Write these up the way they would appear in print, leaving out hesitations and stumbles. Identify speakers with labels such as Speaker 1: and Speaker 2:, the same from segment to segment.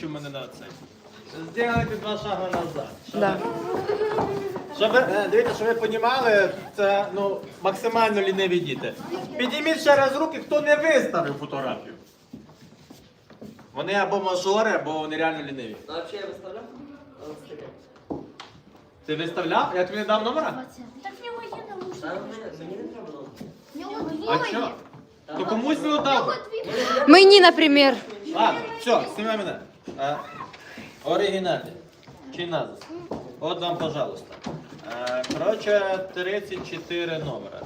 Speaker 1: у мене на це. Зробити 2 шаги назад.
Speaker 2: Да.
Speaker 1: Дивіться, щоб ви розуміли, це максимально ліниві діти. Підійміть ще раз руки, хто не виставив фотографію. Вони або мажори, або вони реально ліниві.
Speaker 3: Ну, взагалі я виставляв?
Speaker 1: Ти виставляв? Я тобі не дав номера?
Speaker 4: Так в нього є наушники.
Speaker 3: Та мені не треба було.
Speaker 4: В нього
Speaker 1: А
Speaker 4: двоє.
Speaker 1: що? То комусь не дав.
Speaker 2: Мені, наприклад.
Speaker 1: Ладно, все, знімай мене. Оригінальний. Чи назис? От вам, пожалуйста. Коротше, 34 номера.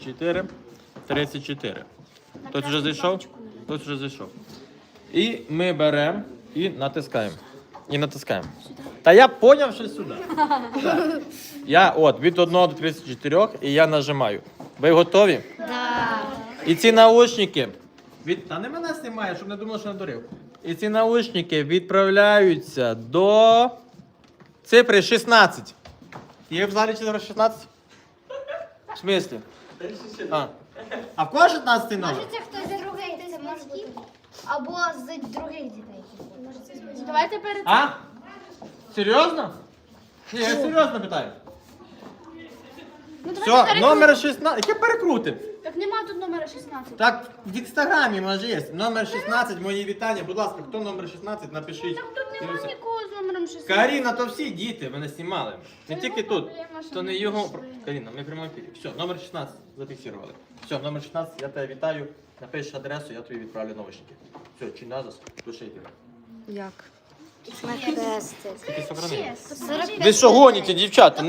Speaker 1: 34. Хтось вже зайшов? Хтось вже зайшов. І ми беремо і натискаємо. Та я поняв, що сюди. Так. Я від 1 до 34 і я нажимаю. Ви готові?
Speaker 4: Да.
Speaker 1: І ці наушники та не мене знімає, щоб не думав, що надурив. І ці наушники відправляються до цифри 16. Є в залі цифра 16? В смислі? А в кого 16 номер?
Speaker 4: Може це хтось з других, це може бути. Або з других дітей.
Speaker 5: Давайте перед
Speaker 1: А? Серйозно? Ні, я серйозно питаю.
Speaker 5: Ну, давайте
Speaker 1: Все,
Speaker 5: перекрутимо.
Speaker 1: номер 16. Яке перекрутим?
Speaker 5: Так нема тут номера 16.
Speaker 1: Так, в інстаграмі може є. Номер 16, мої вітання. Будь ласка, хто номер 16, напишіть.
Speaker 5: Так тут нема нікого з номером 16.
Speaker 1: Каріна, то всі діти, мене знімали. Не
Speaker 5: Це
Speaker 1: тільки
Speaker 5: його
Speaker 1: тут.
Speaker 5: проблема, що
Speaker 1: То не
Speaker 5: він
Speaker 1: його.
Speaker 5: пішли.
Speaker 1: Каріна, ми прямо ефірі. Все, номер 16 зафіксували. Все, номер 16, я тебе вітаю. Напишеш адресу, я тобі відправлю наушники. Все, чи назас, пишите.
Speaker 2: Як?
Speaker 1: Тільки сохрани.
Speaker 4: Чесно.
Speaker 1: Ви що гоніте, дівчата?